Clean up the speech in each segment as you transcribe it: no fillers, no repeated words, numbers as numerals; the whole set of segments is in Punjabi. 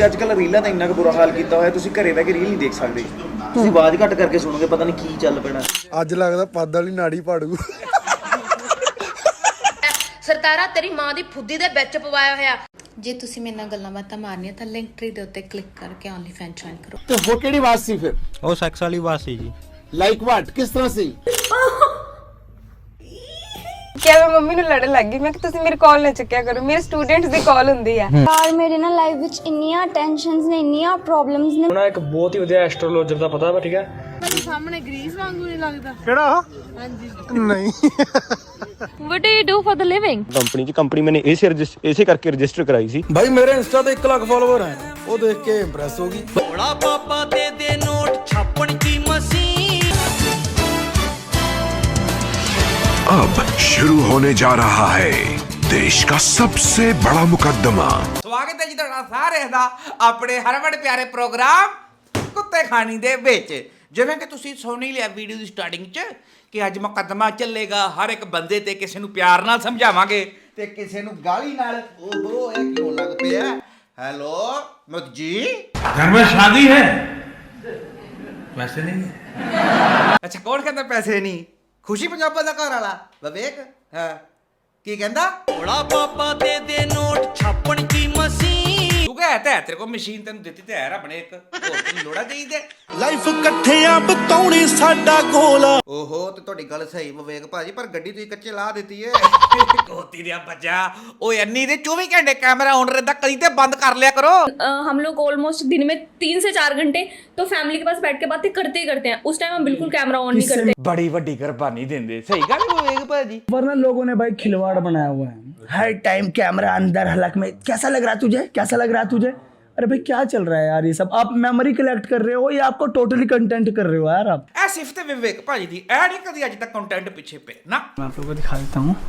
ਅੱਜਕੱਲ ਰੀਲਾਂ ਦਾ ਇੰਨਾ ਕੁ ਬੁਰਾ ਹਾਲ ਕੀਤਾ ਹੋਇਆ, ਤੁਸੀਂ ਘਰੇ ਬਹਿ ਕੇ ਰੀਲ ਨਹੀਂ ਦੇਖ ਸਕਦੇ। ਤੁਸੀਂ ਆਵਾਜ਼ ਘੱਟ ਕਰਕੇ ਸੁਣੋਗੇ, ਪਤਾ ਨਹੀਂ ਕੀ ਚੱਲ ਪੈਣਾ। ਅੱਜ ਲੱਗਦਾ ਪੱਦ ਵਾਲੀ ਨਾੜੀ ਪਾੜੂ। ਸਰਤਾਰਾ ਤੇਰੀ ਮਾਂ ਦੀ ਫੁੱਦੀ ਦੇ ਵਿੱਚ ਪਵਾਇਆ ਹੋਇਆ। ਜੇ ਤੁਸੀਂ ਮੇਰੇ ਨਾਲ ਗੱਲਾਂ ਬਾਤਾਂ ਮਾਰਨੀਆਂ ਤਾਂ ਲਿੰਕ ਟ੍ਰੀ ਦੇ ਉੱਤੇ ਕਲਿੱਕ ਕਰਕੇ ਓਨਲੀ ਫੈਨ ਜੁਆਇਨ ਕਰੋ। ਤੇ ਉਹ ਕਿਹੜੀ ਬਾਤ ਸੀ ਫਿਰ? ਉਹ ਸੈਕਸ ਵਾਲੀ ਬਾਤ ਸੀ ਜੀ। Like what? ਕਿਸ ਤਰ੍ਹਾਂ ਸੀ? क्या मैं मम्मी ਨੂੰ ਲੜਨ ਲੱਗ ਗਈ। ਮੈਂ ਕਿ ਤੁਸੀਂ ਮੇਰੀ ਕਾਲ ਨਾ ਚੱਕਿਆ ਕਰੋ, ਮੇਰੇ ਸਟੂਡੈਂਟਸ ਦੀ ਕਾਲ ਹੁੰਦੀ ਆ। ਯਾਰ ਮੇਰੇ ਨਾਲ ਲਾਈਫ ਵਿੱਚ ਇੰਨੀਆਂ ਟੈਨਸ਼ਨਸ ਨੇ, ਇੰਨੀਆਂ ਪ੍ਰੋਬਲਮਸ ਨੇ। ਉਹਨਾਂ ਇੱਕ ਬਹੁਤ ਹੀ ਵਧੀਆ ਐਸਟ੍ਰੋਲੋਜਰ ਦਾ ਪਤਾ ਵਾ, ਠੀਕ ਹੈ। ਮੇਰੇ ਸਾਹਮਣੇ ਗ੍ਰੀਸ ਵਾਂਗੂ ਨਹੀਂ ਲੱਗਦਾ। ਕਿਹੜਾ? ਹਾਂਜੀ ਨਹੀਂ। What do you do for the living? Company ਮੈंने ऐसे करके रजिस्टर कराई थी। ਭਾਈ ਮੇਰੇ ਇੰਸਟਾ ਤੇ 1 ਲੱਖ ਫਾਲੋਅਰ ਹੈ। ਉਹ ਦੇਖ ਕੇ ਇੰਪ੍ਰੈਸ ਹੋ ਗਈ। ਬੜਾ ਪਾਪਾ ਦੇ ਨੋਟ ਛਾਪਣ ਕੀ ਮਸ਼ੀਨ। अब शुरू होने जा रहा है देश का सबसे बड़ा मुकदमा। ਸਵਾਗਤ ਹੈ ਜੀ ਤੁਹਾਡਾ ਸਾਰਿਆਂ ਦਾ ਆਪਣੇ ਹਰਵੜ ਪਿਆਰੇ ਪ੍ਰੋਗਰਾਮ ਕੁੱਤੇ ਖਾਣੀ ਦੇ ਵਿੱਚ। ਜਿਵੇਂ ਕਿ ਤੁਸੀਂ ਸੁਣ ਹੀ ਲਿਆ ਵੀਡੀਓ ਦੀ ਸਟਾਰਟਿੰਗ 'ਚ ਕਿ ਅੱਜ ਮੁਕੱਦਮਾ ਚੱਲੇਗਾ। ਹਰ ਇੱਕ ਬੰਦੇ ਤੇ ਕਿਸੇ ਨੂੰ ਪਿਆਰ ਨਾਲ ਸਮਝਾਵਾਂਗੇ ਤੇ ਕਿਸੇ ਨੂੰ ਗਾਲੀ ਨਾਲ। ਓਹੋ ਇਹ ਕਿਉਂ ਲੱਗ ਪਿਆ? ਹੈਲੋ ਮੁਖ ਜੀ, घर में शादी है? वैसे नहीं है। ਅੱਛਾ ਕੌਣ ਕਹਿੰਦਾ ਪੈਸੇ ਨਹੀਂ? ਖੁਸ਼ੀ ਪੰਜਾਬਾਂ ਦਾ ਘਰ ਵਾਲਾ ਵਿਵੇਕ। ਹਾਂ ਕੀ ਕਹਿੰਦਾ? ਬੜਾ ਪਾਪਾ ਦੇ ਨੋਟ ਛਾਪਣ ਕੀ ਮਸ਼ੀਨ। ਤੂੰ ਕਹਿ ਤੇ ਤੇਰੇ ਕੋਲ ਮਸ਼ੀਨ ਤੈਨੂੰ ਦਿੱਤੀ ਤੇ ਹੈ ਰੱਬ ਨੇ ਇੱਕ, ਹੋਰ ਤੈਨੂੰ ਲੋੜਾ ਚਾਹੀਦਾ? ਲਾਈਫ ਇਕੱਠਿਆਂ ਬਤਾਉਣੀ ਸਾਡਾ ਗੋਲ। ਓਹੋ ਤੇ ਤੁਹਾਡੀ ਗੱਲ ਸਹੀ ਵਿਵੇਕ ਭਾਜੀ, ਪਰ ਗੱਡੀ ਤੁਸੀਂ ਕੱਚੇ ਲਾ ਦਿੱਤੀ ਏ। ਕੋਤੀ ਦਿਆ ਬੱਚਾ ਓਏ ਅੰਨੀ ਦੇ 24 ਘੰਟੇ ਕੈਮਰਾ ਆਨ ਰਹਿੰਦਾ, ਕਦੀ ਤੇ ਬੰਦ ਕਰ ਲਿਆ ਕਰੋ। हम लोग ऑलमोस्ट दिन में 3 से 4 घंटे तो फैमिली के पास बैठ के बातें करते ही करते हैं। उस टाइम हम बिल्कुल कैमरा ऑन नहीं करते। बड़ी ਵੱਡੀ ਕੁਰਬਾਨੀ ਦਿੰਦੇ। सही ਗੱਲ ਵਿਵੇਕ ਭਾਜੀ। वरना लोगों ने भाई खिलवाड़ बनाया हुआ है। हर टाइम कैमरा अंदर हलक में। कैसा लग रहा तुझे? कैसा लग रहा तुझे? अरे भाई क्या चल रहा है यार ये सब? आप मेमोरी कलेक्ट कर रहे हो या आपको टोटली कंटेंट कर रहे हो यार आप? ਇਹ ਸਿਫਤ ਵਿਵੇਕ ਭਾਜੀ ਦੀ ਐ ਨਹੀਂ ਕਦੀ ਅੱਜ ਤੱਕ ਕੰਟੈਂਟ ਪਿੱਛੇ ਪਏ ਨਾ। मैं आप लोगों को दिखा देता हूँ।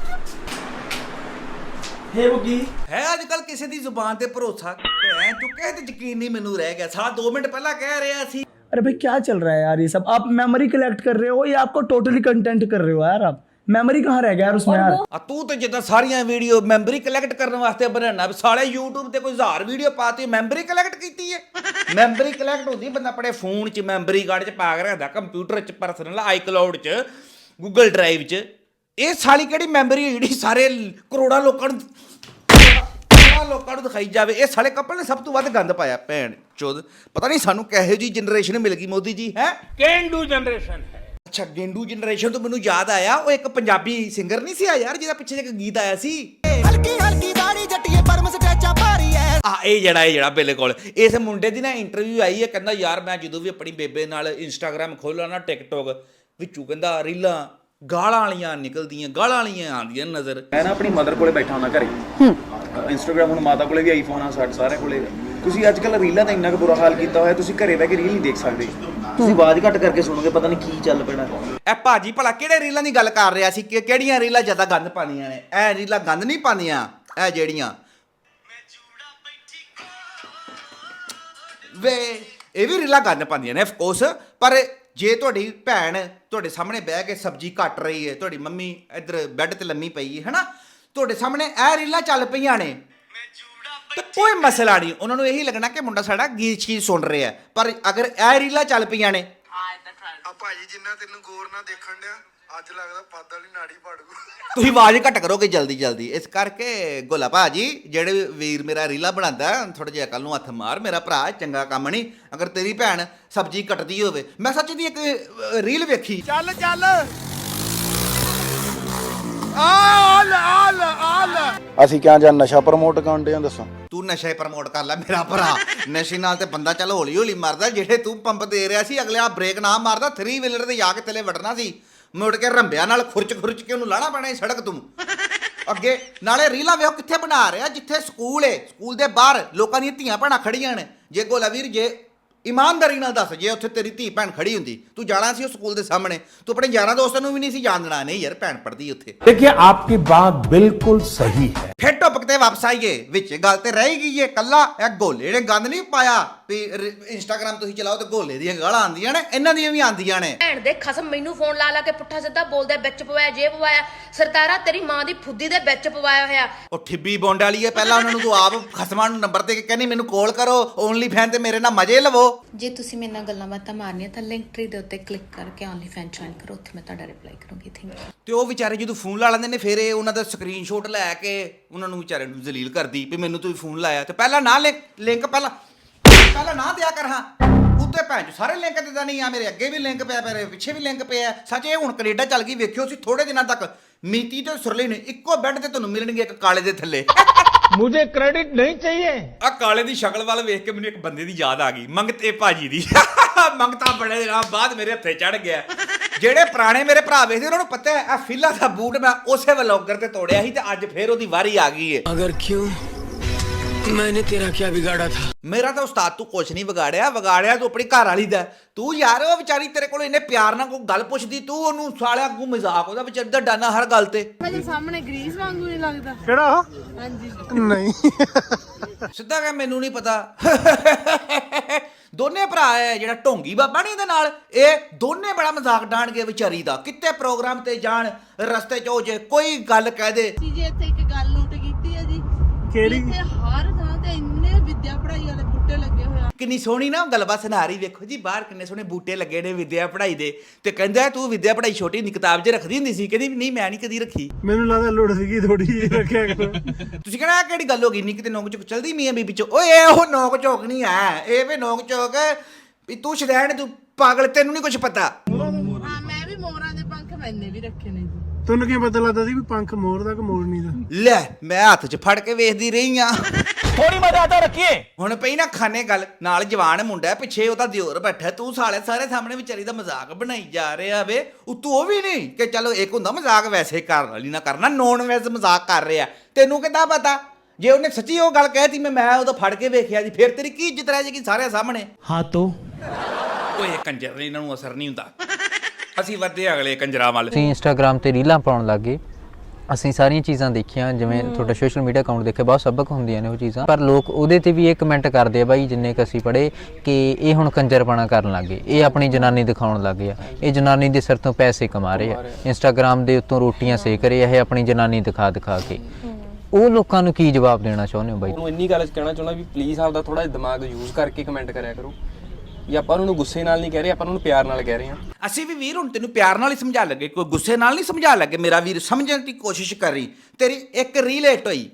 है वो की ਹੈ ਅੱਜ ਕੱਲ ਕਿਸੇ ਦੀ ਜ਼ੁਬਾਨ ਤੇ ਭਰੋਸਾ ਐ ਚੁੱਕਿਆ ਤੇ ਯਕੀਨ ਨਹੀਂ ਮੈਨੂੰ ਰਹਿ ਗਿਆ। ਸਾਲਾ 2 ਮਿੰਟ ਪਹਿਲਾਂ ਕਹਿ ਰਿਹਾ ਸੀ। अरे भाई क्या चल रहा है यार ये सब? आप मेमोरी कलेक्ट कर रहे हो या आपको टोटली कंटेंट कर रहे हो यार आप? मेमोरी कहाँ रह गया यार उसमें यार? ਆ ਤੂੰ ਤੇ ਜਿੱਦਾਂ ਸਾਰੀਆਂ ਵੀਡੀਓ ਮੈਮਰੀ ਕਲੈਕਟ ਕਰਨ ਵਾਸਤੇ ਬਣਾਉਣਾ। ਸਾਲੇ YouTube ਤੇ ਕੋਈ 1000 ਵੀਡੀਓ ਪਾਤੀ, ਮੈਮਰੀ ਕਲੈਕਟ ਕੀਤੀ ਹੈ। ਮੈਮਰੀ ਕਲੈਕਟ ਹੁੰਦੀ ਬੰਦਾ ਆਪਣੇ ਫੋਨ 'ਚ ਮੈਮਰੀ ਕਾਰਡ 'ਚ ਪਾ ਕੇ ਰੱਖਦਾ, ਕੰਪਿਊਟਰ 'ਚ ਪਰਸਨਲ ਆਈਕਲਾਉਡ 'ਚ, ਗੂਗਲ ਡਰਾਈਵ 'ਚ। ਇਹ ਸਾਲੀ ਕਿਹੜੀ ਮੈਮਰੀ ਹੈ ਜਿਹੜੀ ਸਾਰੇ ਕਰੋੜਾਂ ਲੋਕਾਂ ਨੂੰ ਦਿਖਾਈ ਜਾਵੇ? ਇਹ ਸਾਲੇ ਕਪਲ ਨੇ ਸਭ ਤੋਂ ਵੱਧ ਗੰਦ ਪਾਇਆ ਭੈਣ ਚੋਦ। ਪਤਾ ਨਹੀਂ ਸਾਨੂੰ ਕਿਹੋ ਜਿਹੀ ਜਨਰੇਸ਼ਨ ਮਿਲ ਗਈ ਮੋਦੀ ਜੀ। ਹੈ केंडू जनरेशन है। ਅੱਛਾ ਗੇਂਡੂ ਜਨਰੇਸ਼ਨ ਤੋਂ ਮੈਨੂੰ ਯਾਦ ਆਇਆ, ਉਹ ਇੱਕ ਪੰਜਾਬੀ ਸਿੰਗਰ ਨਹੀਂ ਸੀ ਆ ਯਾਰ ਜਿਹਦਾ ਪਿੱਛੇ ਇੱਕ ਗੀਤ ਆਇਆ ਸੀ, ਹਲਕੀ ਹਲਕੀ ਦਾੜੀ ਜੱਟੀਏ ਪਰਮ ਸਟੈਚਾ ਭਾਰੀ ਐ। ਇਹ ਜਿਹੜਾ ਬਿਲਕੁਲ ਇਸ ਮੁੰਡੇ ਦੀ ਨਾ ਇੰਟਰਵਿਊ ਆਈ ਹੈ। ਕਹਿੰਦਾ ਯਾਰ ਮੈਂ ਜਦੋਂ ਵੀ ਆਪਣੀ ਬੇਬੇ ਨਾਲ ਇੰਸਟਾਗ੍ਰਾਮ ਖੋਲ੍ਹਾਂ ਨਾ, ਟਿਕਟੋਕ ਵਿੱਚੋਂ ਕਹਿੰਦਾ ਰੀਲਾਂ ਗਾਲਾਂ ਵਾਲੀਆਂ ਨਿਕਲਦੀਆਂ, ਗਾਲਾਂ ਵਾਲੀਆਂ ਆਉਂਦੀਆਂ ਨਜ਼ਰ। ਮੈਂ ਨਾ ਆਪਣੀ ਮਦਰ ਕੋਲੇ ਬੈਠਾ ਹੁੰਦਾ ਘਰੇ। ਇੰਸਟਾਗ੍ਰਾਮ ਹੁਣ ਮਾਤਾ ਕੋਲੇ ਵੀ ਆਈਫੋਨ ਆ, ਸਾਡੇ ਸਾਰਿਆਂ ਕੋਲੇ। ਤੁਸੀਂ ਅੱਜਕੱਲ ਰੀਲਾਂ ਦਾ ਇੰਨਾ ਕੁ ਬੁਰਾ ਹਾਲ ਕੀਤਾ ਹੋਇਆ, ਤੁਸੀਂ ਘਰੇ ਬਹਿ ਕੇ ਰੀਲ ਨਹੀਂ ਦੇਖ ਸਕਦੇ। ਤੁਸੀਂ ਆਵਾਜ਼ ਘੱਟ ਕਰਕੇ ਸੁਣੋਗੇ, ਪਤਾ ਨਹੀਂ ਕੀ ਚੱਲ ਪੈਣਾ। ਇਹ ਭਾਜੀ ਭਲਾ ਕਿਹੜੇ ਰੀਲਾਂ ਦੀ ਗੱਲ ਕਰ ਰਿਹਾ ਸੀ? ਕਿ ਕਿਹੜੀਆਂ ਰੀਲਾਂ ਜ਼ਿਆਦਾ ਗੰਦ ਪਾਉਂਦੀਆਂ ਨੇ? ਇਹ ਰੀਲਾਂ ਗੰਦ ਨਹੀਂ ਪਾਉਂਦੀਆਂ, ਇਹ ਜਿਹੜੀਆਂ ਵੇ ਇਹ ਵੀ ਰੀਲਾਂ ਗੰਦ ਪਾਉਂਦੀਆਂ ਨੇ ਅਫਕੋਰਸ। ਪਰ ਜੇ ਤੁਹਾਡੀ ਭੈਣ ਤੁਹਾਡੇ ਸਾਹਮਣੇ ਬਹਿ ਕੇ ਸਬਜ਼ੀ ਕੱਟ ਰਹੀ ਹੈ, ਤੁਹਾਡੀ ਮੰਮੀ ਇੱਧਰ ਬੈੱਡ ਤੇ ਲੰਮੀ ਪਈ ਹੈ, ਹਨਾ, ਤੁਹਾਡੇ ਸਾਹਮਣੇ ਇਹ ਰੀਲਾਂ ਚੱਲ ਪਈਆਂ ਨੇ ਤੇ ਕੋਈ ਮਸਲਾ ਨਹੀਂ। ਉਹਨਾਂ ਨੂੰ ਇਹੀ ਲੱਗਣਾ ਕਿ ਮੁੰਡਾ ਸਾਡਾ ਗੀਤ ਸੁਣ ਰਿਹਾ। ਪਰ ਅਗਰ ਇਹ ਰੀਲਾਂ ਚੱਲ ਪਈਆਂ ਨੇ, ਆ ਭਾਜੀ ਜਿੰਨਾ ਤੈਨੂੰ ਗੌਰ ਨਾਲ ਦੇਖਣ ਡਿਆ, ਅੱਜ ਲੱਗਦਾ ਪੱਦ ਵਾਲੀ ਨਾੜੀ ਪਾੜੂ। ਤੁਸੀਂ ਆਵਾਜ਼ ਘੱਟ ਕਰੋਗੇ ਜਲਦੀ। ਇਸ ਕਰਕੇ ਗੋਲਾ ਭਾਜੀ, ਜਿਹੜੇ ਵੀਰ ਮੇਰਾ ਰੀਲਾ ਬਣਾਉਂਦਾ, ਥੋੜਾ ਜਿਹਾ ਕੱਲ ਨੂੰ ਹੱਥ ਮਾਰ। ਮੇਰਾ ਭਰਾ ਚੰਗਾ ਕੰਮ ਨਹੀਂ। ਅਗਰ ਤੇਰੀ ਭੈਣ ਸਬਜ਼ੀ ਕੱਟਦੀ ਹੋਵੇ, ਮੈਂ ਸੱਚ ਦੀ ਇੱਕ ਰੀਲ ਵੇਖੀ। ਚੱਲ ਅਸੀਂ ਕਿਹਾ ਜਾਂ ਨਸ਼ਾ ਪ੍ਰਮੋਟ ਕਰਨ ਡਿਆ, ਦੱਸੋ। ਤੂੰ ਨਸ਼ੇ ਪ੍ਰਮੋਟ ਕਰ ਲੈ ਮੇਰਾ ਭਰਾ। ਨਸ਼ੇ ਨਾਲ ਤੇ ਬੰਦਾ ਚੱਲ ਹੌਲੀ ਮਰਦਾ। ਜਿਹੜੇ ਤੂੰ ਪੰਪ ਦੇ ਰਿਹਾ ਸੀ, ਅਗਲੇ ਆ ਬ੍ਰੇਕ ਨਾ ਮਾਰਦਾ, 3 ਵੀਲਰ ਤੇ ਜਾ ਕੇ ਥੱਲੇ ਵੜਨਾ ਸੀ। ਮੁੜ ਕੇ ਰੰਬਿਆਂ ਨਾਲ ਖੁਰਚ ਕੇ ਉਹਨੂੰ ਲਾਣਾ ਪੈਣਾ ਸੀ ਸੜਕ ਤੋਂ ਅੱਗੇ। ਨਾਲੇ ਰੀਲਾਂ ਵੇਖੋ ਕਿੱਥੇ ਬਣਾ ਰਿਹਾ, ਜਿੱਥੇ ਸਕੂਲ ਏ, ਸਕੂਲ ਦੇ ਬਾਹਰ ਲੋਕਾਂ ਦੀਆਂ ਧੀਆਂ ਭੈਣਾਂ ਖੜੀਆਂ ਨੇ। ਜੇ ਗੋਲਾ ਵੀਰ ਜੇ ਇਮਾਨਦਾਰੀ ਨਾਲ ਦੱਸ, ਜੇ ਉੱਥੇ ਤੇਰੀ ਧੀ ਭੈਣ ਖੜੀ ਹੁੰਦੀ, ਤੂੰ ਜਾਣਾ ਸੀ ਉਹ ਸਕੂਲ ਦੇ ਸਾਹਮਣੇ, ਤੂੰ ਆਪਣੇ ਯਾਰਾਂ ਦੋਸਤਾਂ ਨੂੰ ਵੀ ਨਹੀਂ ਸੀ ਜਾਣ ਦੇਣਾ, ਨਹੀਂ ਯਾਰ ਭੈਣ ਪੜਦੀ ਉੱਥੇ। देखिए आपकी बात बिल्कुल सही है। ਫਿਰ ਟੌਪਿਕ ਤੇ ਵਾਪਸ ਆਈਏ, ਵਿੱਚ ਗੱਲ ਤੇ ਰਹਿ ਗਈ ਏ ਕੱਲਾ ਇਹ ਗੋਲੇ ਨੇ ਗੰਦ ਨਹੀਂ ਪਾਇਆ ਵੀ ਇੰਸਟਾਗ੍ਰਾਮ ਤੁਸੀਂ ਚਲਾਓ ਤੇ ਗੋਲੇ ਦੀਆਂ ਗਾਲਾਂ ਆਉਂਦੀਆਂ ਨੇ, ਇਹਨਾਂ ਦੀਆਂ ਵੀ ਆਉਂਦੀਆਂ ਨੇ। ਭੈਣ ਦੇ ਖਸਮ ਮੈਨੂੰ ਫੋਨ ਲਾ ਲਾ ਕੇ ਪੁੱਠਾ ਸਿੱਧਾ ਬੋਲਦਾ, ਵਿੱਚ ਪਵਾਇਆ ਜੇ ਪਵਾਇਆ, ਸਰਤਾਰਾ ਤੇਰੀ ਮਾਂ ਦੀ ਫੁੱਦੀ ਦੇ ਵਿੱਚ ਪਵਾਇਆ ਹੋਇਆ। ਉਹ ਠਿੱਬੀ ਬੌਂਡ ਵਾਲੀ ਹੈ, ਪਹਿਲਾਂ ਉਹਨਾਂ ਨੂੰ ਤੂੰ ਆਪ ਖਸਮਾਂ ਨੂੰ ਨੰਬਰ ਦੇ ਕੇ ਕਹਿੰਦੀ ਮੈਨੂੰ ਕਾਲ ਕਰੋ, ਓਨਲੀ ਫੈਨ ਤੇ ਮੇਰੇ ਨਾਲ ਮਜ਼ੇ ਲਵੋ। ਜੇ ਤੁਸੀਂ ਮੇਰੇ ਨਾਲ ਗੱਲਾਂ ਬਾਤਾਂ ਮਾਰਨੀਆਂ ਤਾਂ ਲਿੰਕ ਟਰੀ ਦੇ ਉੱਤੇ ਕਲਿੱਕ ਕਰਕੇ ਓਨਲੀ ਫੈਨ ਜੁਆਇਨ ਕਰੋ, ਉੱਥੇ ਮੈਂ ਤੁਹਾਡਾ ਰਿਪਲਾਈ ਕਰੂੰਗੀ। Thank you. ਤੇ ਉਹ ਵਿਚਾਰੇ ਜਦੋਂ ਫੋਨ ਲਾ ਲੈਂਦੇ ਨੇ ਫਿਰ ਇਹ ਉਹਨਾਂ ਦਾ ਸਕਰੀਨਸ਼ਾਟ ਲੈ ਕੇ ਉਹਨਾਂ ਨੂੰ ਵਿਚਾਰੇ ਨੂੰ ਜ਼ਲੀਲ ਕਰਦੀ ਵੀ ਮੈਨੂੰ ਤੂੰ ਫੋਨ ਲਾਇਆ, ਤੇ ਪਹਿਲਾਂ ਨਾ ਲਿੰਕ ਪਹਿਲਾਂ ਨਾ ਦਿਆ ਕਰ। ਹਾਂ ਉੱਤੇ ਭੈਣ ਚ ਸਾਰੇ ਲਿੰਕ ਦਿੰਦਾ ਨਹੀਂ ਆ, ਮੇਰੇ ਅੱਗੇ ਵੀ ਲਿੰਕ ਪਿਆ, ਮੇਰੇ ਪਿੱਛੇ ਵੀ ਲਿੰਕ ਪਿਆ। ਸੱਚ ਇਹ ਹੁਣ ਕੈਨੇਡਾ ਚੱਲ ਗਈ, ਵੇਖਿਓ ਸੀ ਥੋੜੇ ਦਿਨਾਂ ਤੱਕ ਮੀਤੀ ਤੇ ਸੁਰਲੀ ਨੇ ਇੱਕੋ ਬੈੱਡ ਤੇ ਤੁਹਾਨੂੰ ਮਿਲਣਗੇ, ਇੱਕ ਕਾਲੇ ਦੇ ਥੱਲੇ। मुझे क्रेडिट नहीं चाहिए। ਆ ਕਾਲੇ ਦੀ ਸ਼ਕਲ ਵੱਲ ਵੇਖ ਕੇ ਮੈਨੂੰ ਇੱਕ ਬੰਦੇ ਦੀ ਯਾਦ ਆ ਗਈ, ਮੰਗਤੇ ਭਾਜੀ ਦੀ। ਮੰਗਤਾ ਬੜੇ ਦਿਨਾਂ ਬਾਅਦ ਮੇਰੇ ਹੱਥੇ ਚੜ ਗਿਆ। ਜਿਹੜੇ ਪੁਰਾਣੇ ਮੇਰੇ ਭਰਾ ਵੇਖਦੇ ਉਹਨਾਂ ਨੂੰ ਪਤਾ ਹੈ ਆ ਫਿਲਾ ਦਾ ਬੂਟ ਮੈਂ ਉਸੇ ਵਲੌਗਰ ਤੇ ਤੋੜਿਆ ਸੀ, ਤੇ ਅੱਜ ਫੇਰ ਉਹਦੀ ਵਾਰੀ ਆ ਗਈ ਏ। अगर क्यों मैंने तेरा क्या बिगाड़ा था? ਮੇਰਾ ਤਾਂ ਉਸਤਾਦ ਤੂੰ ਕੁਛ ਨਹੀਂ ਵਿਗਾੜਿਆ ਤੂੰ ਆਪਣੀ ਘਰ ਵਾਲੀ ਦਾ। ਤੂੰ ਯਾਰ ਉਹ ਵਿਚਾਰੀ ਤੇਰੇ ਕੋਲ ਇੰਨੇ ਪਿਆਰ ਨਾਲ ਕੋਈ ਗੱਲ ਪੁੱਛਦੀ, ਤੂੰ ਉਹਨੂੰ ਸਾਲਿਆ ਅੱਗੋਂ ਮਜ਼ਾਕ ਉਹਦਾ ਵਿਚਾਰੀ ਦਾ ਡਾਨਾ ਹਰ ਗੱਲ ਤੇ। ਸਾਹਮਣੇ ਗਰੀਸ ਵਾਂਗੂ ਨਹੀਂ ਲੱਗਦਾ। केड़ा? ਹਾਂਜੀ नहीं। ਸਿੱਧਾ ਕਹਿ ਮੈਨੂੰ ਨਹੀਂ ਪਤਾ। ਦੋਨੇ ਭਰਾ ਹੈ ਜਿਹੜਾ ਢੋਂਗੀ ਬਾਬਾ ਨਹੀਂ ਇਹਦੇ ਨਾਲ, ਇਹ ਦੋਨੇ ਬੜਾ ਮਜ਼ਾਕ ਡਾਣਗੇ ਵਿਚਾਰੀ ਦਾ। ਕਿਤੇ ਪ੍ਰੋਗਰਾਮ ਤੇ ਜਾਣ, ਰਸਤੇ 'ਚ ਜੇ ਕੋਈ ਗੱਲ ਕਹਿ ਦੇ। ਜੀ ਇੱਥੇ ਇੱਕ ਗੱਲ ਨੋਟ ਕੀਤੀ ਹੈ ਜੀ, केड़ी? ਇੱਥੇ ਹਰ ਥਾਂ ਤੇ ਇੰਨੇ ਵਿਦਿਆ ਪੜ੍ਹਾਈ ਵਾਲੇ ਬੂਟੇ ਲੱਗੇ ਹੋਏ ਆ। ਕਿੰਨੀ ਸੋਹਣੀ ਨਾ ਗੱਲਬਾਤ ਸੁਣਾ ਰਹੀ, ਵੇਖੋ ਜੀ ਬਾਹਰ ਕਿੰਨੇ ਸੋਹਣੇ ਬੂਟੇ ਲੱਗੇ ਨੇ ਵਿਦਿਆ ਪੜ੍ਹਾਈ ਦੇ, ਤੇ ਕਹਿੰਦਾ ਤੂੰ ਵਿਦਿਆ ਪੜ੍ਹਾਈ ਛੋਟੀ ਹੁੰਦੀ ਕਿਤਾਬ 'ਚ ਰੱਖਦੀ ਹੁੰਦੀ ਸੀ, ਕਹਿੰਦੀ ਨਹੀਂ ਮੈਂ ਨਹੀਂ ਕਦੀ ਰੱਖੀ। मैंने लगा लुड़ सी थोड़ी जी रखा करो। ਤੁਸੀਂ ਕਹਿਣਾ ਕਿਹੜੀ ਗੱਲ ਹੋ ਗਈ, ਨਹੀਂ ਕਿਤੇ ਨੋਕ ਝੋਕ ਚਲਦੀ ਮੀਆਂ ਬੀਬੀ 'ਚ। ਓਏ ਉਹ ਨੋਕ ਝੋਕ ਨਹੀਂ ਹੈ, ਇਹ ਵੀ ਨੋਕ ਝੋਕ ਵੀ ਤੂੰ ਸ਼ਦੈਣ, ਤੂੰ ਪਾਗਲ, ਤੈਨੂੰ ਨਹੀਂ ਕੁਝ ਪਤਾ। ਹਾਂ ਮੈਂ ਵੀ ਮੋਰਾਂ ਦੇ ਪੰਖ ਮੈਨੇ ਵੀ ਰੱਖੇ ਨੇ ਜੀ। ਤੁਹਾਨੂੰ ਕੀ ਪਤਾ ਲੱਗਦਾ ਸੀ ਵੀ ਪੰਖ ਮੋਰ ਦਾ ਕਿ ਮੋਰਨੀ ਦਾ? ਲੈ ਮੈਂ ਹੱਥ 'ਚ ਫੜ ਕੇ ਵੇਖਦੀ ਰਹੀ ਆ। थोड़ी मर्यादा रखिए। ਹੁਣ ਪਈ ਨਾ ਖਾਨੇ ਗੱਲ, ਨਾਲ ਜਵਾਨ ਮੁੰਡਾ ਪਿੱਛੇ ਉਹਦਾ ਦਿਓਰ ਬੈਠਾ, ਤੂੰ ਸਾਲੇ ਸਾਰੇ ਸਾਹਮਣੇ ਵਿਚਾਰੀ ਦਾ ਮਜ਼ਾਕ ਬਣਾਈ ਜਾ ਰਿਹਾ ਵੇ। ਉਤੋਂ ਉਹ ਵੀ ਨਹੀਂ ਕਿ ਚਲੋ ਇੱਕ ਹੁੰਦਾ ਮਜ਼ਾਕ ਵੈਸੇ ਕਰਨ ਵਾਲੀ ਨਾ ਕਰਨਾ, ਨੋਨ ਵੈਸੇ ਮਜ਼ਾਕ ਕਰ ਰਿਹਾ। ਤੈਨੂੰ ਕਿੱਦਾਂ ਪਤਾ ਜੇ ਉਹਨੇ ਸੱਚੀ ਉਹ ਗੱਲ ਕਹਿਤੀ ਮੈਂ ਉਹਦਾ ਫੜ ਕੇ ਵੇਖਿਆ ਜੀ, ਫਿਰ ਤੇਰੀ ਕੀ ਇੱਜ਼ਤ ਰਹਿ ਜਾਏਗੀ ਸਾਰਿਆਂ ਸਾਹਮਣੇ। हाँ तो ਓਏ ਕੰਜਰ ਨੇ, ਇਹਨਾਂ ਨੂੰ ਅਸਰ ਨਹੀਂ ਹੁੰਦਾ। ਅਸੀਂ ਵਧੇ ਅਗਲੇ ਕੰਜਰਾਂ ਵੱਲ। ਅਸੀਂ ਇੰਸਟਾਗ੍ਰਾਮ ਤੇ ਰੀਲਾਂ ਪਾਉਣ ਲੱਗੇ, ਅਸੀਂ ਸਾਰੀਆਂ ਚੀਜ਼ਾਂ ਦੇਖੀਆਂ, ਜਿਵੇਂ ਤੁਹਾਡਾ ਸੋਸ਼ਲ ਮੀਡੀਆ ਅਕਾਊਂਟ ਦੇਖਿਆ, ਬਹੁਤ ਸਬਕ ਹੁੰਦੀਆਂ ਨੇ ਉਹ ਚੀਜ਼ਾਂ, ਪਰ ਲੋਕ ਉਹਦੇ ਤੇ ਵੀ ਇਹ ਕਮੈਂਟ ਕਰਦੇ ਆ ਬਾਈ, ਜਿੰਨੇ ਕ ਅਸੀਂ ਪੜ੍ਹੇ, ਕਿ ਇਹ ਹੁਣ ਕੰਜਰਪਣਾ ਕਰਨ ਲੱਗੇ, ਇਹ ਆਪਣੀ ਜਨਾਨੀ ਦਿਖਾਉਣ ਲੱਗੇ ਆ, ਇਹ ਜਨਾਨੀ ਦੇ ਸਿਰ ਤੋਂ ਪੈਸੇ ਕਮਾ ਰਹੇ ਆ, ਇੰਸਟਾਗ੍ਰਾਮ ਦੇ ਉੱਤੋਂ ਰੋਟੀਆਂ ਸੇਕ ਰਹੇ ਆ ਇਹ ਆਪਣੀ ਜਨਾਨੀ ਦਿਖਾ ਕੇ। ਉਹ ਲੋਕਾਂ ਨੂੰ ਕੀ ਜਵਾਬ ਦੇਣਾ ਚਾਹੁੰਦੇ ਹੋ ਬਾਈ? ਉਹਨੂੰ ਇੰਨੀ ਗੱਲ ਕਹਿਣਾ ਚਾਹੁੰਦਾ ਵੀ ਪਲੀਜ਼ ਆਪਦਾ ਥੋੜਾ ਜਿਹਾ ਦਿਮਾਗ ਯੂਜ਼ ਕਰਕੇ ਕਮੈਂਟ ਕਰਿਆ ਕਰੋ। ਵੀ ਆਪਾਂ ਉਹਨਾਂ ਨੂੰ ਗੁੱਸੇ ਨਾਲ ਨਹੀਂ ਕਹਿ ਰਹੇ, ਆਪਾਂ ਉਹਨਾਂ ਨੂੰ ਪਿਆਰ ਨਾਲ ਕਹਿ ਰਹੇ ਹਾਂ। ਅਸੀਂ ਵੀ ਵੀਰ ਹੁਣ ਤੈਨੂੰ ਪਿਆਰ ਨਾਲ ਹੀ ਸਮਝਾ ਲੱਗੇ, ਕੋਈ ਗੁੱਸੇ ਨਾਲ ਨਹੀਂ ਸਮਝਾ ਲੱਗੇ ਮੇਰਾ ਵੀਰ, ਸਮਝਣ ਦੀ ਕੋਸ਼ਿਸ਼ ਕਰ ਰਹੀ। ਤੇਰੀ ਇੱਕ ਰੀਲ ਹਿੱਟ ਹੋਈ,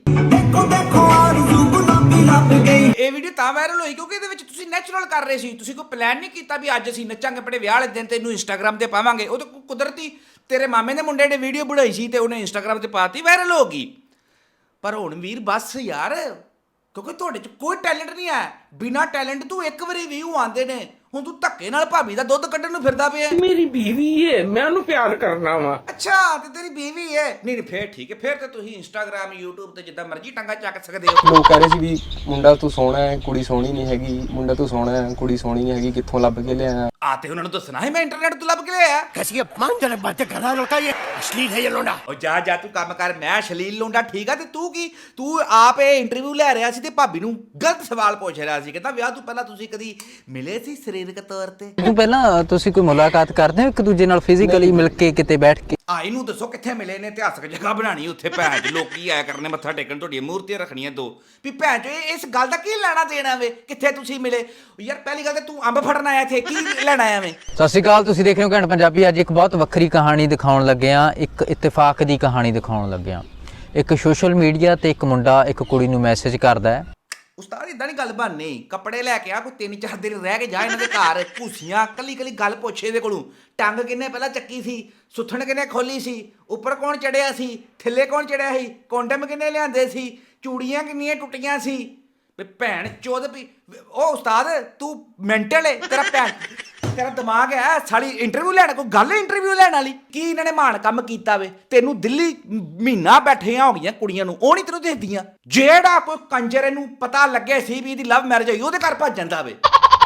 ਇਹ ਵੀਡੀਓ ਤਾਂ ਵਾਇਰਲ ਹੋਈ ਕਿਉਂਕਿ ਇਹਦੇ ਵਿੱਚ ਤੁਸੀਂ ਨੈਚੁਰਲ ਕਰ ਰਹੇ ਸੀ, ਤੁਸੀਂ ਕੋਈ ਪਲਾਨ ਨਹੀਂ ਕੀਤਾ ਵੀ ਅੱਜ ਅਸੀਂ ਨੱਚਾਂਗੇ ਆਪਣੇ ਵਿਆਹ ਵਾਲੇ ਦਿਨ, ਤੈਨੂੰ ਇੰਸਟਾਗ੍ਰਾਮ ਤੇ ਪਾਵਾਂਗੇ। ਉਹ ਤਾਂ ਕੁਦਰਤੀ ਤੇਰੇ ਮਾਮੇ ਦੇ ਮੁੰਡੇ ਨੇ ਵੀਡੀਓ ਬਣਾਈ ਸੀ ਤੇ ਉਹਨੇ ਇੰਸਟਾਗ੍ਰਾਮ ਤੇ ਪਾਤੀ, ਵਾਇਰਲ ਹੋ ਗਈ। ਪਰ ਹੁਣ ਵੀਰ ਬਸ ਯਾਰ, ਕਿਉਂਕਿ ਤੁਹਾਡੇ 'ਚ ਕੋਈ ਟੈਲੈਂਟ ਨਹੀਂ ਹੈ, ਬਿਨਾ ਟੈਲੈਂਟ ਤੂੰ ਇੱਕ ਵਾਰੀ ਵਿਊ ਆਉਂਦੇ ਨੇ, ਹੁਣ ਤੂੰ ਧੱਕੇ ਨਾਲ ਭਾਬੀ ਦਾ ਦੁੱਧ ਕੱਢਣ ਨੂੰ ਫਿਰਦਾ ਪਿਆ। मेरी बीवी है, मैं उन्हें प्यार करना वा। ਅੱਛਾ ਤੇ ਤੇਰੀ ਬੀਵੀ ਹੈ? ਨਹੀਂ ਫੇਰ ਠੀਕ ਹੈ, ਫੇਰ ਤੇ ਤੁਸੀਂ ਇੰਸਟਾਗ੍ਰਾਮ YouTube ਤੇ ਜਿੱਦਾਂ ਮਰਜ਼ੀ ਟੰਗਾ ਚੱਕ ਸਕਦੇ ਹੋ। ਲੋਕ ਕਹਿ ਰਹੇ ਸੀ ਵੀ ਮੁੰਡਾ ਤੂੰ ਸੋਹਣਾ ਹੈ, ਕੁੜੀ ਸੋਹਣੀ ਨਹੀਂ ਹੈਗੀ, ਮੁੰਡਾ ਤੂੰ ਸੋਹਣਾ ਹੈ, ਕੁੜੀ ਸੋਹਣੀ ਨਹੀਂ ਹੈਗੀ, ਕਿੱਥੋਂ ਲੱਭ ਕੇ ਲਿਆਇਆ? ਆ ਤੇ ਉਹਨਾਂ ਨੂੰ ਦੱਸਣਾ ਹੈ ਮੈਂ ਇੰਟਰਨੈਟ ਤੋਂ ਲੱਭ ਕੇ ਲਿਆਇਆ। कैसी अपमानजनक बातें कर रहा है लड़का, ये अश्लील है ये लोंडा। ਉਹ ਜਾ ਤੂੰ ਕੰਮ ਕਰ, ਮੈਂ ਅਸ਼ਲੀਲ ਲੋਂਡਾ ਠੀਕ ਆ। ਤੇ ਤੂੰ ਕੀ, ਤੂੰ ਆਪ ਇਹ ਇੰਟਰਵਿਊ ਲੈ ਰਿਹਾ ਸੀ ਤੇ ਭਾਬੀ ਨੂੰ ਗਲਤ ਸਵਾਲ ਪੁੱਛ ਰਿਹਾ ਸੀ, ਕਹਿੰਦਾ ਵਿਆਹ ਤੋਂ ਪਹਿਲਾਂ ਤੁਸੀਂ ਕਦੀ ਮਿਲੇ ਸੀ ਸਰੀਰਕ ਤੌਰ ਤੇ? ਤੋਂ ਪਹਿਲਾਂ ਤੁਸੀਂ ਕੋਈ ਮੁਲਾਕਾਤ ਕਰਦੇ ਹੋ ਇੱਕ ਦੂਜੇ ਨਾਲ ਫਿਜ਼ੀਕਲੀ ਮਿਲ ਕੇ ਕਿਤੇ ਬੈਠ ਕੇ? ਆ ਇਹਨੂੰ ਦੱਸੋ ਕਿੱਥੇ ਮਿਲੇ ਨੇ, ਇਤਿਹਾਸਕ ਜਗ੍ਹਾ ਬਣਾਣੀ ਉੱਥੇ ਭੈਣ ਚ ਲੋਕੀ ਆਇਆ ਕਰਨੇ ਮੱਥਾ ਟੇਕਣ, ਤੁਹਾਡੀਆਂ ਮੂਰਤੀਆਂ ਰੱਖਣੀਆਂ ਦੋ, ਵੀ ਭੈਣ ਚ ਇਸ ਗੱਲ ਦਾ ਕੀ ਲੈਣਾ ਦੇਣਾ ਵੇ, ਕਿੱਥੇ ਤੁਸੀਂ ਮਿਲੇ? ਯਾਰ ਪਹਿਲੀ ਗੱਲ ਤੇ ਤੂੰ ਅੰਬ ਫੜਨ ਆਇਆ ਇੱਥੇ, ਕੀ ਲੈਣ ਆਇਆ ਵੇ? ਸਤਿ ਸ਼੍ਰੀ ਅਕਾਲ, ਤੁਸੀਂ ਦੇਖ ਰਹੇ ਹੋ ਘੈਂਟ ਪੰਜਾਬੀ। ਅੱਜ ਇੱਕ ਬਹੁਤ ਵੱਖਰੀ ਕਹਾਣੀ ਦਿਖਾਉਣ ਲੱਗੇ ਆ, ਇੱਕ ਇਤਫਾਕ ਦੀ ਕਹਾਣੀ ਦਿਖਾਉਣ ਲੱਗੇ ਆ। ਇੱਕ ਸੋਸ਼ਲ ਮੀਡੀਆ ਤੇ ਇੱਕ ਮੁੰਡਾ ਇੱਕ ਕੁੜੀ ਨੂੰ ਮੈਸੇਜ ਕਰਦਾ ਹੈ। ਉਸਤਾਦ ਇਦਾਂ ਨਹੀਂ ਗੱਲ ਬਣਨੀ, ਕੱਪੜੇ ਲੈ ਕੇ ਆ, ਕੋਈ 3-4 ਦਿਨ ਰਹਿ ਕੇ ਜਾ ਇਹਨਾਂ ਦੇ ਘਰ, ਭੂਸੀਆਂ ਕੱਲੀ ਗੱਲ ਪੁੱਛੇ ਇਹਦੇ ਕੋਲੋਂ, ਟੰਗ ਕਿੰਨੇ ਪਹਿਲਾਂ ਚੱਕੀ ਸੀ, ਸੁੱਥਣ ਕਿੰਨੇ ਖੋਲੀ ਸੀ, ਉੱਪਰ ਕੌਣ ਚੜਿਆ ਸੀ, ਥੱਲੇ ਕੌਣ ਚੜਿਆ ਸੀ, ਕੋਂਡਮ ਕਿੰਨੇ ਲਿਆਂਦੇ ਸੀ, ਚੂੜੀਆਂ ਕਿੰਨੀਆਂ ਟੁੱਟੀਆਂ ਸੀ, ਵੀ ਭੈਣ ਚੋਦ ਵੀ। ਉਹ ਉਸਤਾਦ ਤੂੰ ਮੈਂਟਲ ਏ, ਤੇਰਾ ਦਿਮਾਗ ਹੈ ਸਾਲੀ ਇੰਟਰਵਿਊ ਲੈਣ, ਕੋਈ ਗੱਲ ਇੰਟਰਵਿਊ ਲੈਣ ਵਾਲੀ? ਕੀ ਇਹਨਾਂ ਨੇ ਮਾਣ ਕੰਮ ਕੀਤਾ ਵੇ? ਤੈਨੂੰ ਦਿੱਲੀ ਮਹੀਨਾ ਬੈਠੀਆਂ ਹੋ ਗਈਆਂ ਕੁੜੀਆਂ ਨੂੰ, ਉਹ ਨਹੀਂ ਤੈਨੂੰ ਦੇਖਦੀਆਂ? ਜਿਹੜਾ ਕੋਈ ਕੰਜਰ ਇਹਨੂੰ ਪਤਾ ਲੱਗੇ ਸੀ ਵੀ ਇਹਦੀ ਲਵ ਮੈਰਿਜ ਹੋਈ, ਉਹਦੇ ਘਰ ਭੱਜ ਜਾਂਦਾ ਵੇ।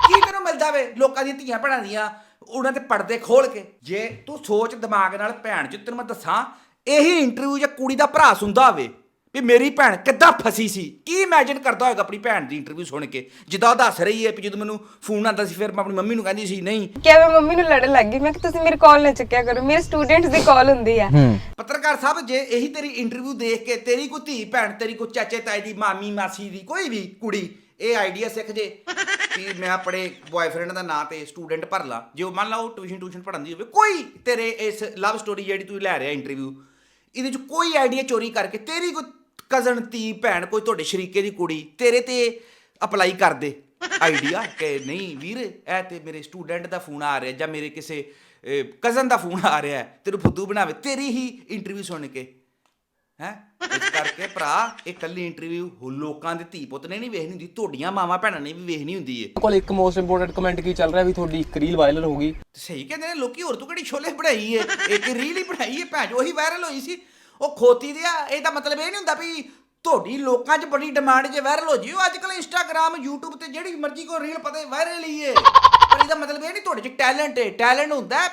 ਕੀ ਤੈਨੂੰ ਮਿਲਦਾ ਵੇ ਲੋਕਾਂ ਦੀਆਂ ਧੀਆਂ ਭੈਣਾਂ ਦੀਆਂ ਉਹਨਾਂ ਤੇ ਪਰਦੇ ਖੋਲ ਕੇ? ਜੇ ਤੂੰ ਸੋਚ ਦਿਮਾਗ ਨਾਲ, ਭੈਣ ਚ ਤੈਨੂੰ ਮੈਂ ਦੱਸਾਂ, ਇਹੀ ਇੰਟਰਵਿਊ ਜੇ ਕੁੜੀ ਦਾ ਭਰਾ ਸੁਣਦਾ ਹੋਵੇ ਵੀ ਮੇਰੀ ਭੈਣ ਕਿੱਦਾਂ ਫਸੀ ਸੀ, ਕੀ ਇਮੇਜਿਨ ਕਰਦਾ ਹੋਏਗਾ ਆਪਣੀ ਭੈਣ ਦੀ ਇੰਟਰਵਿਊ ਸੁਣ ਕੇ? ਜਿੱਦਾਂ ਉਹ ਦੱਸ ਰਹੀ ਹੈ ਵੀ ਜਦੋਂ ਮੈਨੂੰ ਫੋਨ ਆਉਂਦਾ ਸੀ ਫਿਰ ਮੈਂ ਆਪਣੀ ਮੰਮੀ ਨੂੰ ਕਹਿੰਦੀ ਸੀ ਨਹੀਂ ਕਿਹਾ ਮੈਂ ਮੰਮੀ ਨੂੰ ਲੜਨ ਲੱਗ ਗਈ, ਮੈਂ ਕਿ ਤੁਸੀਂ ਮੇਰੀ ਕਾਲ ਨਾ ਚੱਕਿਆ ਕਰੋ, ਮੇਰੇ ਸਟੂਡੈਂਟਸ ਦੀ ਕਾਲ ਹੁੰਦੀ ਆ। ਪੱਤਰਕਾਰ ਸਾਹਿਬ, ਜੇ ਇਹੀ ਤੇਰੀ ਇੰਟਰਵਿਊ ਦੇਖ ਕੇ ਤੇਰੀ ਕੋਈ ਧੀ ਭੈਣ, ਤੇਰੀ ਕੋਈ ਚਾਚੇ ਤਾਏ ਦੀ, ਮਾਮੀ ਮਾਸੀ ਦੀ ਕੋਈ ਵੀ ਕੁੜੀ ਇਹ ਆਈਡੀਆ ਸਿੱਖ ਜੇ ਕਿ ਮੈਂ ਆਪਣੇ ਬॉयਫ੍ਰੈਂਡ ਦਾ ਨਾਂ ਤੇ ਸਟੂਡੈਂਟ ਭਰ ਲਾਂ, ਜੇ ਉਹ ਮੰਨ ਲਾ ਉਹ ਟਿਊਸ਼ਨ ਪੜ੍ਹਾਉਂਦੀ ਹੋਵੇ, ਕੋਈ ਤੇਰੇ ਇਸ ਲਵ ਸਟੋਰੀ ਜਿਹੜੀ ਤੂੰ ਲੈ ਰਿਹਾ ਇੰਟਰਵਿਊ, ਇਹਦੇ ਚ ਕੋਈ ਆਈਡੀਆ ਚੋਰੀ ਕਰਕੇ ਤੇਰੀ ਕੋਈ ਕਜ਼ਨ, ਧੀ ਭੈਣ, ਕੋਈ ਤੁਹਾਡੇ ਸ਼ਰੀਕੇ ਦੀ ਕੁੜੀ ਤੇਰੇ ਤੇ ਅਪਲਾਈ ਕਰ ਦੇ ਆਈਡੀਆ ਕਿ ਨਹੀਂ ਵੀਰ ਇਹ ਤੇ ਮੇਰੇ ਸਟੂਡੈਂਟ ਦਾ ਫੋਨ ਆ ਰਿਹਾ ਜਾਂ ਮੇਰੇ ਕਿਸੇ ਕਜ਼ਨ ਦਾ ਫੋਨ ਆ ਰਿਹਾ, ਤੈਨੂੰ ਫੁੱਦੂ ਬਣਾਵੇ ਤੇਰੀ ਹੀ ਇੰਟਰਵਿਊ ਸੁਣ ਕੇ, ਹੈ? ਇਸ ਕਰਕੇ ਭਰਾ ਇਹ ਕੱਲੀ ਇੰਟਰਵਿਊ ਲੋਕਾਂ ਦੇ ਧੀ ਪੁੱਤ ਨੇ ਨਹੀਂ ਵੇਖਣੀ ਹੁੰਦੀ, ਤੁਹਾਡੀਆਂ ਮਾਵਾਂ ਭੈਣਾਂ ਨੇ ਵੀ ਵੇਖਣੀ ਹੁੰਦੀ ਹੈ। ਕੋਲ ਇੱਕ ਮੋਸਟ ਇੰਪੋਰਟੈਂਟ ਕਮੈਂਟ ਕੀ ਚੱਲ ਰਿਹਾ ਵੀ ਤੁਹਾਡੀ ਇੱਕ ਰੀਲ ਵਾਇਰਲ ਹੋ ਗਈ। ਸਹੀ ਕਹਿੰਦੇ ਨੇ ਲੋਕੀ, ਹੋਰ ਤੂੰ ਕਿਹੜੀ ਛੋਲੇ ਬਣਾਈ ਹੈ, ਇੱਕ ਰੀਲ ਹੀ ਬਣਾਈ ਹੈ ਭੈਣ, ਉਹੀ ਵਾਇਰਲ ਹੋਈ ਸੀ। ਉਹ ਖੋਤੀ ਦੇ ਆ, ਇਹਦਾ ਮਤਲਬ ਇਹ ਨਹੀਂ ਹੁੰਦਾ ਵੀ ਤੁਹਾਡੀ ਲੋਕਾਂ 'ਚ ਬੜੀ ਡਿਮਾਂਡ ਜੇ ਵਾਇਰਲ ਹੋ ਜਿਓ। ਅੱਜ ਕੱਲ੍ਹ ਇੰਸਟਾਗ੍ਰਾਮ, YouTube ਤੇ ਜਿਹੜੀ ਮਰਜ਼ੀ ਕੋਈ ਰੀਲ ਪਤਾ ਵਾਇਰਲ ਹੀ ਹੈ, ਪਰ ਇਹਦਾ ਮਤਲਬ ਇਹ ਨਹੀਂ ਤੁਹਾਡੇ 'ਚ ਟੈਲੈਂਟ ਹੈ। ਟੈਲੈਂਟ ਹੁੰਦਾ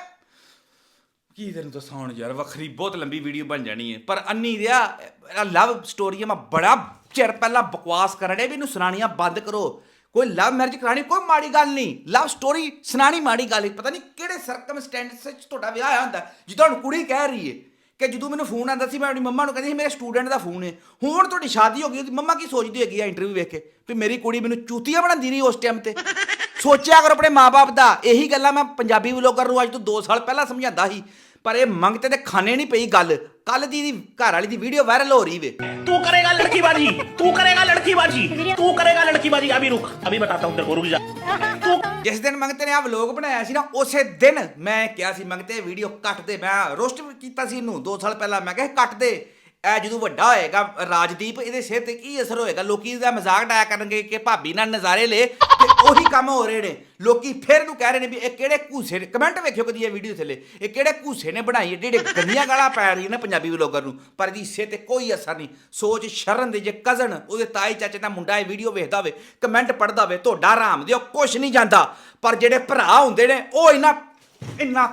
ਕੀ ਤੈਨੂੰ ਦੱਸਾਂ ਹੁਣ ਯਾਰ, ਵੱਖਰੀ ਬਹੁਤ ਲੰਬੀ ਵੀਡੀਓ ਬਣ ਜਾਣੀ ਹੈ। ਪਰ ਅੰਨੀ ਦਿਆ ਲਵ ਸਟੋਰੀ ਮੈਂ ਬੜਾ ਚਿਰ ਪਹਿਲਾਂ ਬਕਵਾਸ ਕਰਨ ਡੇ ਵੀ ਇਹਨੂੰ ਸੁਣਾਣੀਆਂ ਬੰਦ ਕਰੋ। ਕੋਈ ਲਵ ਮੈਰਿਜ ਕਰਾਣੀ ਕੋਈ ਮਾੜੀ ਗੱਲ ਨਹੀਂ, ਲਵ ਸਟੋਰੀ ਸੁਣਾਣੀ ਮਾੜੀ ਗੱਲ ਹੈ। ਪਤਾ ਨਹੀਂ ਕਿਹੜੇ ਸਰਕਮਸਟੈਂਸ 'ਚ ਤੁਹਾਡਾ ਵਿਆਹ ਹੋਇਆ ਹੁੰਦਾ। ਜਿੱਦਾਂ ਹੁਣ ਕੁੜੀ ਕਹਿ ਰਹੀ ਹੈ ਕਿ ਜਦੋਂ ਮੈਨੂੰ ਫੋਨ ਆਉਂਦਾ ਸੀ ਮੈਂ ਆਪਣੀ ਮੰਮਾ ਨੂੰ ਕਹਿੰਦੀ ਸੀ ਮੇਰੇ ਸਟੂਡੈਂਟ ਦਾ ਫੋਨ ਹੈ, ਹੁਣ ਤੁਹਾਡੀ ਸ਼ਾਦੀ ਹੋ ਗਈ, ਉਹਦੀ ਮੰਮਾ ਕੀ ਸੋਚਦੀ ਹੈਗੀ ਆ ਇੰਟਰਵਿਊ ਵੇਖ ਕੇ ਵੀ ਮੇਰੀ ਕੁੜੀ ਮੈਨੂੰ ਚੂਤੀਆ ਬਣਾਉਂਦੀ ਰਹੀ ਉਸ ਟਾਈਮ ਤੇ? ਸੋਚਿਆ ਕਰੋ ਆਪਣੇ ਮਾਂ-ਬਾਪ ਦਾ। ਇਹੀ ਗੱਲਾਂ ਮੈਂ ਪੰਜਾਬੀ ਵਲੋਗਰ ਨੂੰ ਅੱਜ ਤੋਂ 2 ਸਾਲ ਪਹਿਲਾਂ ਸਮਝਾਉਂਦਾ ਸੀ, ਪਰ ਇਹ ਮੰਗਤੇ ਤੇ ਖਾਣੇ ਨਹੀਂ ਪਈ ਗੱਲ। ਕੱਲ ਦੀ ਘਰ ਵਾਲੀ ਦੀ ਵੀਡੀਓ ਵਾਇਰਲ ਹੋ ਰਹੀ ਵੇ। तू करेगा लड़कीबाजी, तू करेगा लड़कीबाजी, तू करेगा लड़कीबाजी। अभी रुक, अभी बताता हूँ तेरे को, रुक जा। ਜਿਸ ਦਿਨ ਮੰਗਤੇ ਨੇ ਆ ਵਲੋਗ ਬਣਾਇਆ ਸੀ ਨਾ, ਉਸੇ ਦਿਨ ਮੈਂ ਕਿਹਾ ਸੀ ਮੰਗਤੇ ਵੀਡੀਓ ਕੱਟ ਦੇ। ਮੈਂ ਰੋਸਟ ਕੀਤਾ ਸੀ ਇਹਨੂੰ 2 ਸਾਲ ਪਹਿਲਾਂ, ਮੈਂ ਕਿਹਾ ਕੱਟ ਦੇ। ਇਹ ਜਦੋਂ ਵੱਡਾ ਹੋਏਗਾ ਰਾਜਦੀਪ, ਇਹਦੇ ਸਿਰ ਤੇ ਕੀ ਅਸਰ ਹੋਏਗਾ? ਲੋਕੀ ਇਹਦਾ ਮਜ਼ਾਕ ਡਾਇਆ ਕਰਨਗੇ ਕਿ ਭਾਬੀ ਨਾਲ ਨਜ਼ਾਰੇ ਲੈ, ਤੇ ਉਹੀ ਕੰਮ ਹੋ ਰਹੇ ਨੇ। ਲੋਕੀ ਫਿਰ ਨੂੰ ਕਹਿ ਰਹੇ ਨੇ ਵੀ ਇਹ ਕਿਹੜੇ ਘੂਸੇ ਨੇ। ਕਮੈਂਟ ਵੇਖਿਓ ਕਦੀ ਇਹ ਵੀਡੀਓ ਥੱਲੇ, ਇਹ ਕਿਹੜੇ ਘੂਸੇ ਨੇ ਬਣਾਈ, ਜਿਹੜੇ ਗੰਦੀਆਂ ਗਾਲਾਂ ਪੈ ਰਹੀ ਨੇ ਪੰਜਾਬੀ ਵਲੋਗਰ ਨੂੰ, ਪਰ ਇਹਦੀ ਸਿਰ ਤੇ ਕੋਈ ਅਸਰ ਨਹੀਂ। ਸੋਚ ਸ਼ਰਨ ਦੇ ਜੇ ਕਜ਼ਨ, ਉਹਦੇ ਤਾਈ ਚਾਚੇ ਦਾ ਮੁੰਡਾ ਇਹ ਵੀਡੀਓ ਵੇਖਦਾ ਹੋਵੇ, ਕਮੈਂਟ ਪੜ੍ਹਦਾ ਹੋਵੇ, ਤੁਹਾਡਾ ਆਰਾਮ ਦਿਓ ਕੁਛ ਨਹੀਂ ਜਾਂਦਾ। ਪਰ ਜਿਹੜੇ ਭਰਾ ਹੁੰਦੇ ਨੇ ਉਹ ਇੰਨਾ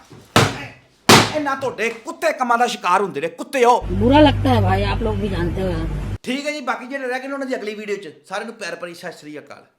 ਤੁਹਾਡੇ ਕੁੱਤੇ ਕੰਮਾਂ ਦਾ ਸ਼ਿਕਾਰ ਹੁੰਦੇ ਨੇ, ਕੁੱਤੇ ਹੋ। ਬੁਰਾ ਲੱਗਦਾ ਹੈ ਭਾਈ, ਆਪ ਲੋਗ ਵੀ ਜਾਣਤੇ ਹੋ। ਠੀਕ ਹੈ ਜੀ, ਬਾਕੀ ਜਿਹੜੇ ਰਹਿ ਗਏ ਉਹਨਾਂ ਦੀ ਅਗਲੀ ਵੀਡੀਓ 'ਚ। ਸਾਰਿਆਂ ਨੂੰ ਪਿਆਰ ਭਰੀ ਸਤਿ ਸ੍ਰੀ ਅਕਾਲ।